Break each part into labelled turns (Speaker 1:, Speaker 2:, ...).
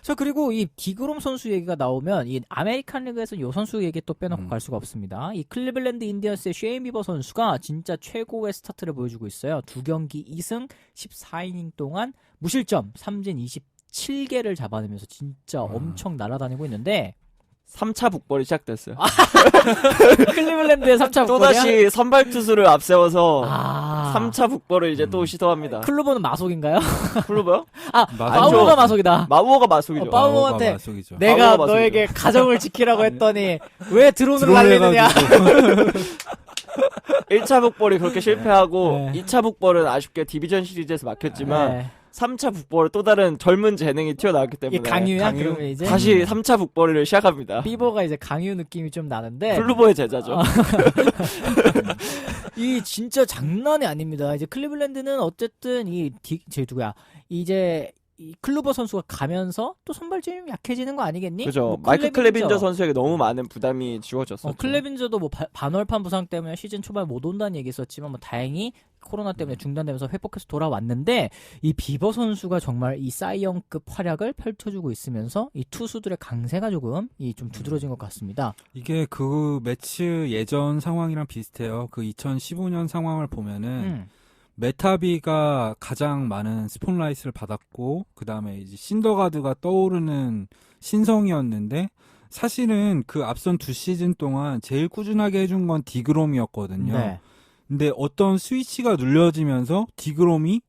Speaker 1: 자, 그리고 이 디그롬 선수 얘기가 나오면 이 아메리칸 리그에서는 이 선수 얘기 또 빼놓고 갈 수가 없습니다. 이 클리블랜드 인디언스의 셰인 비버 선수가 진짜 최고의 스타트를 보여주고 있어요. 2경기 2승 14이닝 동안 무실점 삼진 27개를 잡아내면서 진짜 엄청 날아다니고 있는데
Speaker 2: 3차 북벌이 시작됐어요.
Speaker 1: 클리블랜드의 3차 북벌이야?
Speaker 2: 또다시 선발 투수를 앞세워서
Speaker 1: 아.
Speaker 2: 3차 북벌을 이제 또 시도합니다.
Speaker 1: 클로버는 마속인가요?
Speaker 2: 클로버요?
Speaker 1: 아,
Speaker 3: 맞아.
Speaker 1: 파우로가 마속이다.
Speaker 2: 마우어가 마속이죠.
Speaker 1: 파우로한테
Speaker 3: 마속이죠.
Speaker 1: 내가
Speaker 2: 마속이죠.
Speaker 1: 너에게 가정을 지키라고 했더니 왜 드론을
Speaker 3: 드론을
Speaker 1: 날리느냐?
Speaker 3: 해가지고.
Speaker 2: 1차 북벌이 그렇게 실패하고
Speaker 1: 네.
Speaker 2: 2차 북벌은 아쉽게 디비전 시리즈에서 막혔지만
Speaker 1: 네.
Speaker 2: 3차 북벌 또 다른 젊은 재능이 튀어나왔기
Speaker 1: 이게
Speaker 2: 때문에
Speaker 1: 강유야? 그러면 이제
Speaker 2: 다시 3차 북벌을 시작합니다.
Speaker 1: 비버가 이제 강유 느낌이 좀 나는데
Speaker 2: 클루버의 제자죠.
Speaker 1: 이 진짜 장난이 아닙니다. 이제 클리블랜드는 어쨌든 제 누구야? 이제 이 클루버 선수가 가면서 또 선발진이 좀 약해지는 거 아니겠니?
Speaker 2: 그죠.
Speaker 1: 뭐
Speaker 2: 마이크 클레빈저 선수에게 너무 많은 부담이 지워졌었죠.
Speaker 1: 클레빈저도 뭐 반월판 부상 때문에 시즌 초반에 못 온다는 얘기 있었지만 뭐 다행히 코로나 때문에 중단되면서 회복해서 돌아왔는데 이 비버 선수가 정말 이 사이영급 활약을 펼쳐주고 있으면서 이 투수들의 강세가 조금 좀 두드러진 것 같습니다.
Speaker 3: 이게 그 매치 예전 상황이랑 비슷해요. 그 2015년 상황을 보면은 메타비가 가장 많은 스폰라이트를 받았고 그 다음에 이제 신더가드가 떠오르는 신성이었는데 사실은 그 앞선 2시즌 동안 제일 꾸준하게 해준 건 디그롬이었거든요.
Speaker 1: 네.
Speaker 3: 근데 어떤 스위치가 눌려지면서 디그롬이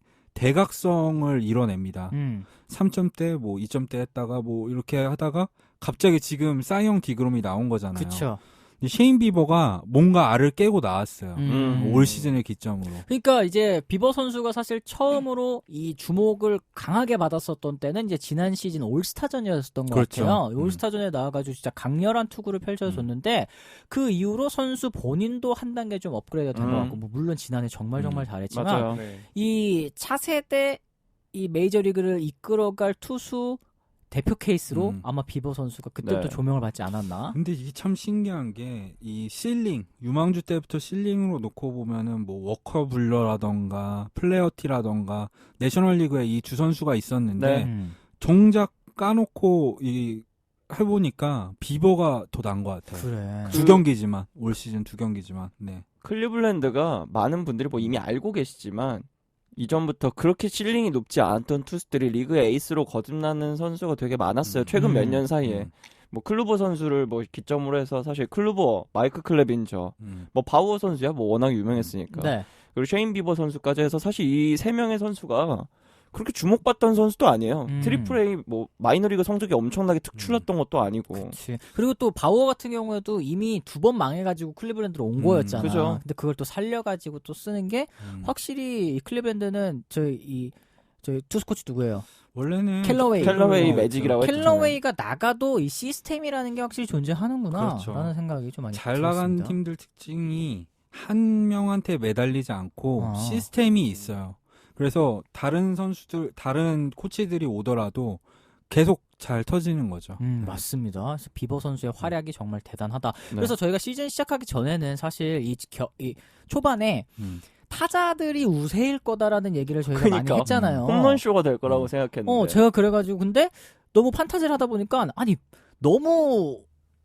Speaker 3: 대각성을 이뤄냅니다. 3점대, 뭐 2점대 했다가 뭐 이렇게 하다가 갑자기 지금 싸이형 디그롬이 나온 거잖아요.
Speaker 1: 그렇죠.
Speaker 3: 셰인 비버가 뭔가 알을 깨고 나왔어요.
Speaker 1: 음.
Speaker 3: 올 시즌을 기점으로.
Speaker 1: 그러니까 이제 비버 선수가 사실 처음으로 이 주목을 강하게 받았었던 때는 이제 지난 시즌 올스타전이었던 것
Speaker 3: 그렇죠.
Speaker 1: 같아요. 올스타전에 나와가지고 진짜 강렬한 투구를 펼쳐줬는데 그 이후로 선수 본인도 한 단계 좀 업그레이드가 된 것 같고 뭐 물론 지난해 정말 잘했지만
Speaker 2: 맞아요.
Speaker 1: 이 차세대 이 메이저리그를 이끌어갈 투수 대표 케이스로 아마 비버 선수가 그때부터
Speaker 2: 네.
Speaker 1: 조명을 받지 않았나.
Speaker 3: 근데 이게 참 신기한 게 이 실링, 유망주 때부터 실링으로 놓고 보면은 뭐 워커 불러라던가 플레어티라던가 내셔널리그에 이 두 선수가 있었는데
Speaker 2: 네.
Speaker 3: 정작 까놓고 이 해보니까 비버가 더 나은 것 같아요.
Speaker 1: 그래.
Speaker 3: 두 경기지만 올 시즌 2경기지만. 네.
Speaker 2: 클리블랜드가 많은 분들이 뭐 이미 알고 계시지만 이전부터 그렇게 실링이 높지 않았던 투수들이 리그의 에이스로 거듭나는 선수가 되게 많았어요. 최근 몇 년 사이에. 뭐 클루버 선수를 뭐 기점으로 해서 사실 클루버, 마이크 클레빈저, 뭐 바우어 선수야 뭐 워낙 유명했으니까.
Speaker 1: 네.
Speaker 2: 그리고 셰인 비버 선수까지 해서 사실 이 세 명의 선수가 그렇게 주목받던 선수도 아니에요. 트리플 A 뭐 마이너리그 성적이 엄청나게 특출났던 것도 아니고.
Speaker 1: 그치. 그리고 또 바우어 같은 경우에도 이미 2번 망해가지고 클리블랜드로 온 거였잖아.
Speaker 2: 그죠.
Speaker 1: 근데 그걸 또 살려가지고 또 쓰는 게 확실히 이 클리블랜드는 저희 투수 코치 누구예요?
Speaker 3: 원래는
Speaker 2: 켈러웨이 매직이라고 했죠.
Speaker 1: 켈러웨이가 나가도 이 시스템이라는 게 확실히 존재하는구나
Speaker 3: 그렇죠.
Speaker 1: 라는 생각이 좀 많이
Speaker 3: 잘 나간
Speaker 1: 들었습니다.
Speaker 3: 팀들 특징이 한 명한테 매달리지 않고 시스템이 있어요. 그래서 다른 선수들, 다른 코치들이 오더라도 계속 잘 터지는 거죠.
Speaker 1: 맞습니다. 그래서 비버 선수의 활약이 정말 대단하다.
Speaker 2: 네.
Speaker 1: 그래서 저희가 시즌 시작하기 전에는 사실 이 초반에 타자들이 우세일 거다라는 얘기를 저희가
Speaker 2: 그러니까.
Speaker 1: 많이 했잖아요.
Speaker 2: 홈런쇼가 될 거라고 생각했는데.
Speaker 1: 제가 그래가지고 근데 너무 판타지를 하다 보니까 아니 너무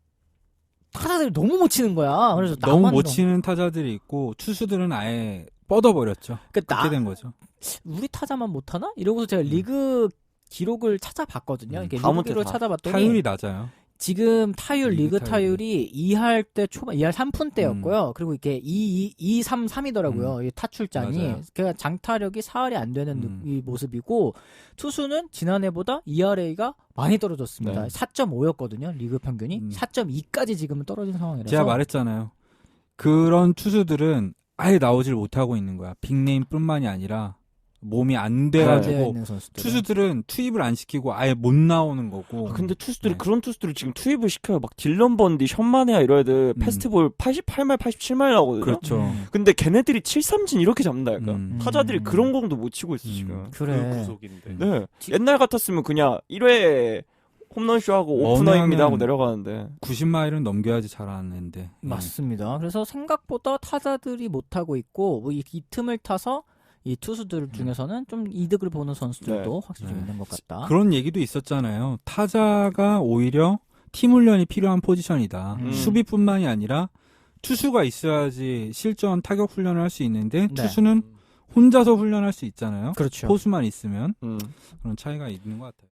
Speaker 1: 타자들이 너무 못 치는 거야. 그래서
Speaker 3: 너무 못 치는 타자들이 있고 투수들은 아예 뻗어버렸죠.
Speaker 1: 그러니까
Speaker 3: 그렇게 된 거죠.
Speaker 1: 우리 타자만 못하나? 이러고서 제가 리그 기록을 찾아봤거든요. 이게
Speaker 2: 다
Speaker 1: 리그
Speaker 2: 못해,
Speaker 1: 기록을
Speaker 2: 다.
Speaker 1: 찾아봤더니
Speaker 3: 타율이 낮아요.
Speaker 1: 지금 리그 타율이 2할 때 초반 2할 3푼 때였고요. 그리고 이게 2, 3, 3이더라고요. 이 타출장이.
Speaker 3: 맞아요.
Speaker 1: 그러니까 장타력이 4할이 안 되는 이 모습이고 투수는 지난해보다 ERA가 많이 떨어졌습니다.
Speaker 2: 네.
Speaker 1: 4.5였거든요. 리그 평균이. 4.2까지 지금은 떨어진 상황이라서.
Speaker 3: 제가 말했잖아요. 그런 투수들은 아예 나오질 못하고 있는 거야. 빅네임뿐만이 아니라 몸이 안 돼가지고 투수들은 투입을 안 시키고 아예 못 나오는 거고.
Speaker 2: 근데 투수들이 그런 투수들을 지금 투입을 시켜요. 막 딜런 번디, 션마네아 이런 애들 페스티벌 88말, 87말 나오거든요.
Speaker 3: 그렇죠.
Speaker 2: 근데 걔네들이 7삼진 이렇게 잡는다니까. 타자들이 그런 공도 못 치고 있어 지금.
Speaker 1: 그래.
Speaker 4: 구속인데.
Speaker 2: 네. 옛날 같았으면 그냥 1회 홈런쇼하고 오프너입니다 하고 내려가는데
Speaker 3: 90마일은 넘겨야지 잘하는데.
Speaker 1: 맞습니다. 그래서 생각보다 타자들이 못하고 있고 이 틈을 타서 이 투수들 중에서는 좀 이득을 보는 선수들도 확실히 좀
Speaker 3: 네.
Speaker 1: 있는 것 같다.
Speaker 3: 그런 얘기도 있었잖아요. 타자가 오히려 팀 훈련이 필요한 포지션이다. 수비뿐만이 아니라 투수가 있어야지 실전 타격 훈련을 할 수 있는데
Speaker 1: 네.
Speaker 3: 투수는 혼자서 훈련할 수 있잖아요.
Speaker 1: 그렇죠.
Speaker 3: 포수만 있으면
Speaker 2: 음.
Speaker 3: 그런 차이가 있는 것 같아요.